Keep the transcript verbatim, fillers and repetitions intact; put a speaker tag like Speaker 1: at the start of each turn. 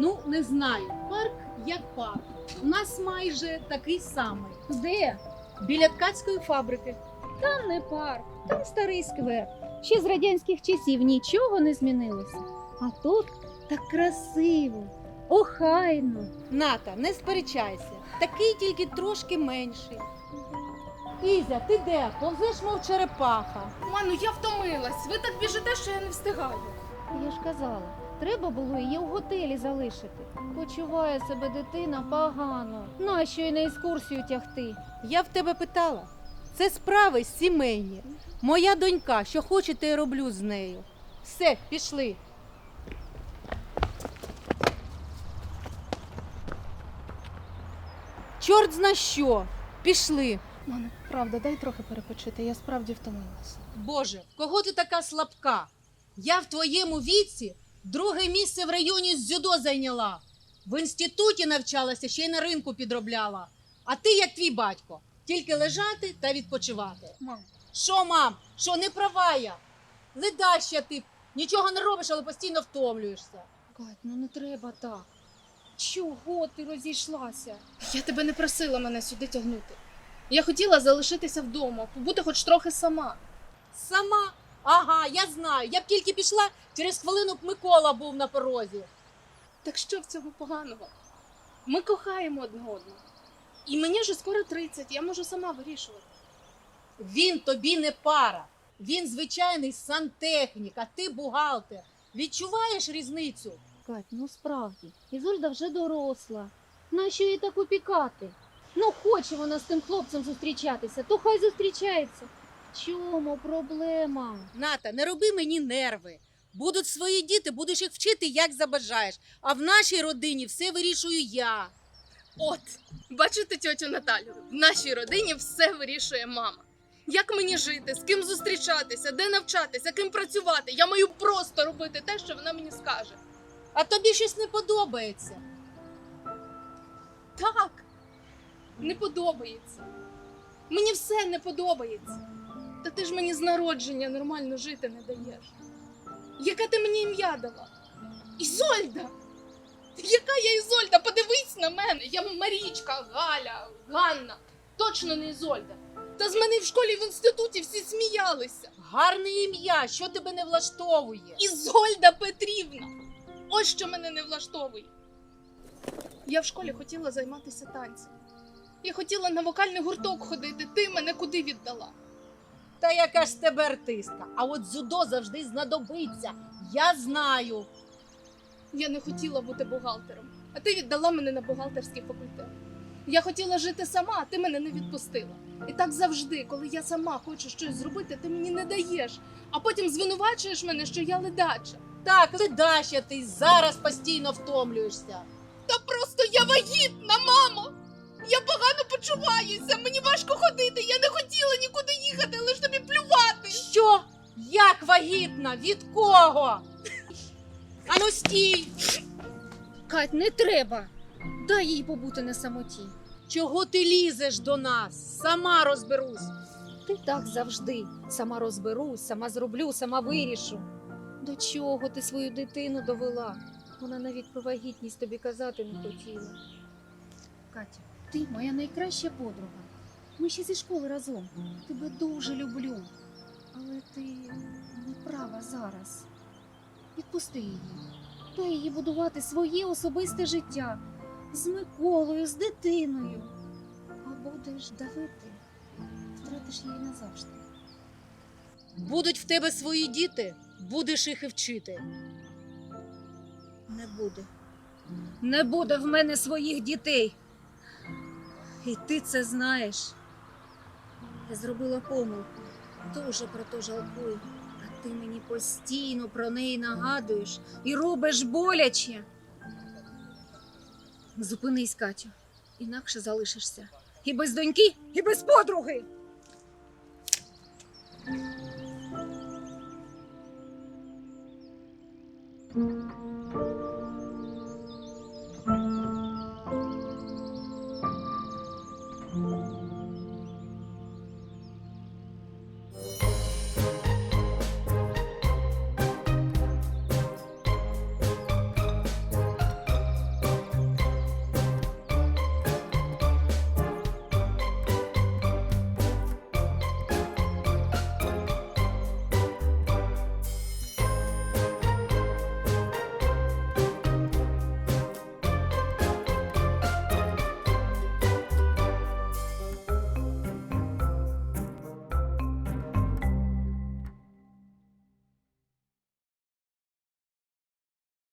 Speaker 1: Ну, не знаю. Парк як парк. У нас майже такий самий.
Speaker 2: Де?
Speaker 1: Біля ткацької фабрики.
Speaker 2: Там не парк, там старий сквер. Ще з радянських часів нічого не змінилося. А тут так красиво, охайно.
Speaker 1: Ната, не сперечайся. Такий тільки трошки менший. Ізя, ти де? Повзеш, мов черепаха.
Speaker 3: Ману, я втомилась. Ви так біжите, що я не встигаю.
Speaker 2: Я ж казала, треба було її в готелі залишити. Почуває себе дитина погано. Нащо й на екскурсію тягти?
Speaker 1: Я в тебе питала. Це справи сімейні. Моя донька, що хоче, те й роблю з нею. Все, пішли. Чорт зна що. Пішли.
Speaker 3: Ману, правда, дай трохи перепочити, я справді втомилась.
Speaker 1: Боже, в кого ти така слабка? Я в твоєму віці друге місце в районі з дзюдо зайняла. В інституті навчалася, ще й на ринку підробляла. А ти, як твій батько, тільки лежати та відпочивати.
Speaker 3: Мам,
Speaker 1: Що, мам? Що, не права я? Ледаща ти, нічого не робиш, але постійно втомлюєшся.
Speaker 2: Кать, ну не треба так. Чого ти розійшлася?
Speaker 3: я тебе не просила мене сюди тягнути. Я хотіла залишитися вдома, побути хоч трохи сама.
Speaker 1: Сама? Ага, я знаю. Я б тільки пішла, через хвилину б Микола був на порозі.
Speaker 3: Так що в цьому поганого? Ми кохаємо одне одного. І мені вже скоро тридцять, я можу сама вирішувати.
Speaker 1: Він тобі не пара. Він звичайний сантехнік, а ти бухгалтер. Відчуваєш різницю?
Speaker 2: Кать, ну справді, Ізольда вже доросла. Нащо їй так опікати? Ну, хоче вона з тим хлопцем зустрічатися, то хай зустрічається. В чому проблема?
Speaker 1: Ната, не роби мені нерви. Будуть свої діти, будеш їх вчити, як забажаєш. А в нашій родині все вирішую я.
Speaker 3: От, бачите тьотю Наталю, в нашій родині все вирішує мама. Як мені жити, з ким зустрічатися, де навчатися, ким працювати? Я маю просто робити те, що вона мені скаже.
Speaker 1: А тобі щось не подобається.
Speaker 3: Так, не подобається. Мені все не подобається. Та ти ж мені з народження нормально жити не даєш. Яке ти мені ім'я дала? Ізольда! Яка я Ізольда? Подивись на мене. Я Марічка, Галя, Ганна. Точно не Ізольда. Та з мене в школі і в інституті всі сміялися.
Speaker 1: Гарне ім'я, що тебе не влаштовує?
Speaker 3: Ізольда Петрівна! Ось що мене не влаштовує. Я в школі хотіла займатися танцями. Я хотіла на вокальний гурток ходити, ти мене куди віддала?
Speaker 1: Та яка ж з тебе артистка? А от дзюдо завжди знадобиться. Я знаю.
Speaker 3: Я не хотіла бути бухгалтером, а ти віддала мене на бухгалтерський факультет. Я хотіла жити сама, а ти мене не відпустила. І так завжди, коли я сама хочу щось зробити, ти мені не даєш, а потім звинувачуєш мене, що я ледача.
Speaker 1: Так, ледаща ти, зараз постійно втомлюєшся.
Speaker 3: Та просто я вагітна, мамо! Я погано почуваюся, мені важко ходити, я не хотіла нікуди їхати, лиш тобі плювати.
Speaker 1: Що? Як вагітна? Від кого? Ану стій!
Speaker 2: Кать, не треба. Дай їй побути на самоті.
Speaker 1: Чого ти лізеш до нас? Сама розберусь.
Speaker 2: Ти так завжди. Сама розберусь, сама зроблю, сама вирішу. До чого ти свою дитину довела? Вона навіть про вагітність тобі казати не хотіла. Катя, ти моя найкраща подруга. Ми ще зі школи разом. Тебе дуже люблю. Але ти не права зараз. Відпусти її. Дай їй будувати своє особисте життя. З Миколою, з дитиною. А будеш давити, втратиш її назавжди.
Speaker 1: Будуть в тебе свої діти, будеш їх і вчити.
Speaker 2: Не буде. Не буде в мене своїх дітей. І ти це знаєш. Я зробила помилку. Дуже про то жалкую. А ти мені постійно про неї нагадуєш і робиш боляче. Зупинись, Катю. Інакше залишишся. І без доньки, і без подруги. Thank you.